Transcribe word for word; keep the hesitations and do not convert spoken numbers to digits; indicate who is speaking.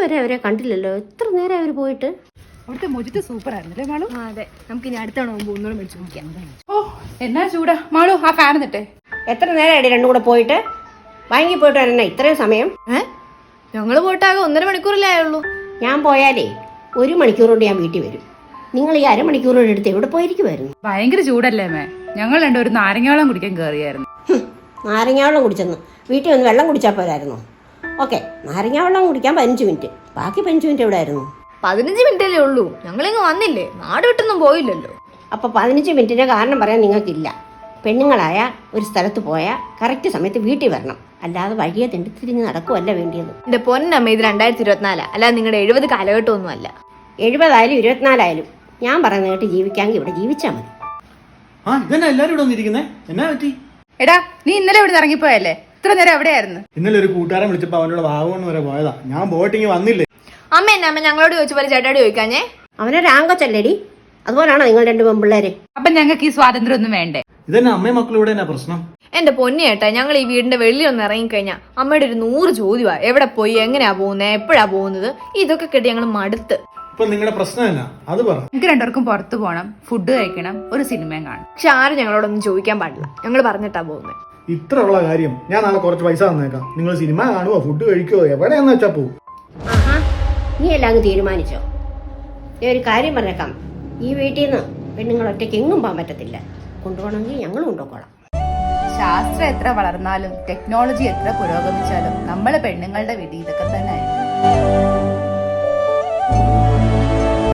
Speaker 1: ഇതുവരെ അവരെ കണ്ടില്ലല്ലോ. എത്ര നേരം അവർ പോയിട്ട്?
Speaker 2: അവിടുത്തെ മൊജിത്ത് സൂപ്പർ ആയിരുന്നല്ലേ മാളു?
Speaker 3: അതെ, നമുക്ക് ഇനി അടുത്തവണ പോകുമ്പോൾ ഒന്നുകൂടെ മേടിച്ചു കുടിക്കാം.
Speaker 2: ഓ എന്നാ ചൂടാ മാളു, ആ ഫാൻ എന്നിട്ടേ.
Speaker 1: എത്ര നേരമായിട്ട് രണ്ടും കൂടെ പോയിട്ട്? വാങ്ങി പോയിട്ട് വരണേ ഇത്രയും സമയം?
Speaker 3: ഏഹ് ഞങ്ങള് പോയിട്ടാകെ ഒന്നര മണിക്കൂറല്ലേ ആയുള്ളൂ.
Speaker 1: ഞാൻ പോയാലേ ഒരു മണിക്കൂർ കൊണ്ട് ഞാൻ വീട്ടിൽ വരും. നിങ്ങൾ ഈ അരമണിക്കൂറോടെ എടുത്ത് എവിടെ പോയിരിക്കുമായിരുന്നു?
Speaker 2: ഭയങ്കര ചൂടല്ലേ മേ? ഞങ്ങൾ രണ്ടും ഒരു നാരങ്ങാവെള്ളം കുടിക്കാൻ കയറിയായിരുന്നു.
Speaker 1: നാരങ്ങാവെള്ളം കുടിച്ചെന്ന് വീട്ടിൽ വന്ന് വെള്ളം കുടിച്ചാൽ പോരായിരുന്നു? ഓക്കെ, നാരങ്ങാവെള്ളം കുടിക്കാൻ പതിനഞ്ച് മിനിറ്റ്, ബാക്കി പതിനഞ്ച് മിനിറ്റ് എവിടെ ആയിരുന്നു?
Speaker 3: പതിനഞ്ച് മിനിറ്റല്ലേ ഉള്ളൂ, ഞങ്ങളിങ്ങ് വന്നില്ലേ, നാട് വിട്ടൊന്നും പോയില്ലല്ലോ.
Speaker 1: അപ്പോൾ പതിനഞ്ച് മിനിറ്റിൻ്റെ കാരണം പറയാൻ നിങ്ങൾക്കില്ല. പെണ്ണുങ്ങളായ ഒരു സ്ഥലത്ത് പോയാൽ കറക്റ്റ് സമയത്ത് വീട്ടിൽ വരണം, അല്ലാതെ വഴിയെ തെണ്ടി തിരിഞ്ഞ് നടക്കുമല്ല വേണ്ടിയത്.
Speaker 3: എന്റെ പൊന്നമ്മ, ഇത് രണ്ടായിരത്തി ഇരുപത്തിനാലാ, അല്ലാതെ നിങ്ങളുടെ എഴുപത് കാലഘട്ടമൊന്നും അല്ല.
Speaker 1: എഴുപതായാലും ഇരുപത്തിനാലായാലും ഞാൻ പറയുന്ന കേട്ട് ജീവിക്കാമെങ്കിൽ ഇവിടെ ജീവിച്ചാൽ മതി.
Speaker 4: ആ ഇതന്നെ എല്ലാരും ഇവിടെ വന്നിരിക്കുന്നേ, എന്നാ പറ്റി?
Speaker 2: എടാ നീ ഇന്നലെ ഇവിടെ ഇറങ്ങിപ്പോയല്ലേ? ഇത്ര നേരം എവിടെയായിരുന്നു?
Speaker 4: ഇന്നലെ ഒരു കൂട്ടുകാരൻ വിളിച്ചപ്പോ അവനോട് വാഗമൺ വരെ പോയതാ. ഞാൻ പോയിട്ടിങ്ങി വന്നില്ലേ.
Speaker 3: അമ്മ എന്നാ അമ്മ ഞങ്ങളോട് ചോദിച്ച പോലെ ചേട്ടാടി ചോദിക്കാഞ്ഞേ?
Speaker 1: അവനൊരു ആങ്കൊച്ചല്ലേടി, അതുപോലാണോ നിങ്ങൾ രണ്ട് പെൺപിള്ളേര്?
Speaker 2: അപ്പൊ ഞങ്ങൾക്ക് ഈ സ്വാതന്ത്ര്യം ഒന്നും വേണ്ടേ?
Speaker 4: ഇതന്നെ അമ്മയും മക്കളും ഇവിടെ എന്നാ പ്രശ്നം?
Speaker 3: എന്റെ പൊന്നി ചേട്ടാ, ഞങ്ങൾ ഈ വീടിന്റെ വെളിയിൽ ഒന്ന് ഇറങ്ങിക്കഴിഞ്ഞാൽ അമ്മയുടെ ഒരു നൂറ് ചോദ്യമാ. എവിടെ പോയി, എങ്ങനെയാ പോകുന്നത്, എപ്പോഴാ പോകുന്നത്, ഇതൊക്കെ കേട്ട് ഞങ്ങൾ മടുത്ത്.
Speaker 4: ഇപ്പൊ നിങ്ങളുടെ പ്രശ്നം എന്നാ അത് പറ.
Speaker 2: എനിക്ക് രണ്ടുപേർക്കും പുറത്തു പോകണം, ഫുഡ് കഴിക്കണം, ഒരു സിനിമയും കാണണം.
Speaker 3: പക്ഷെ ആരും ഞങ്ങളോടൊന്നും ചോദിക്കാൻ പാടില്ല, ഞങ്ങൾ പറഞ്ഞിട്ടാ പോകുന്നത്.
Speaker 4: ഇത്ര ഉള്ള കാര്യം ഞാൻ നാളെ കുറച്ച് പൈസ തന്നേക്കാം. നിങ്ങൾ സിനിമ കാണുവോ, ഫുഡ് കഴിക്കുവോ, എവിടെയാന്ന് വെച്ചാ പോവും.
Speaker 1: ആഹാ, നീ എല്ലാം അങ്ങ് തീരുമാനിച്ചോ? ഞാൻ ഒരു കാര്യം പറഞ്ഞേക്കാം, ഈ വീട്ടിൽ നിന്ന് പെണ്ണുങ്ങൾ ഒറ്റയ്ക്ക് എങ്ങും പോകാൻ പറ്റത്തില്ല. കൊണ്ടുപോകണമെങ്കിൽ ഞങ്ങൾ കൊണ്ടുപോകോളാം.
Speaker 2: ശാസ്ത്രം എത്ര വളർന്നാലും ടെക്നോളജി എത്ര പുരോഗമിച്ചാലും നമ്മളെ പെണ്ണുങ്ങളുടെ വിധി ഇതൊക്കെ തന്നെ ആയിരിക്കും.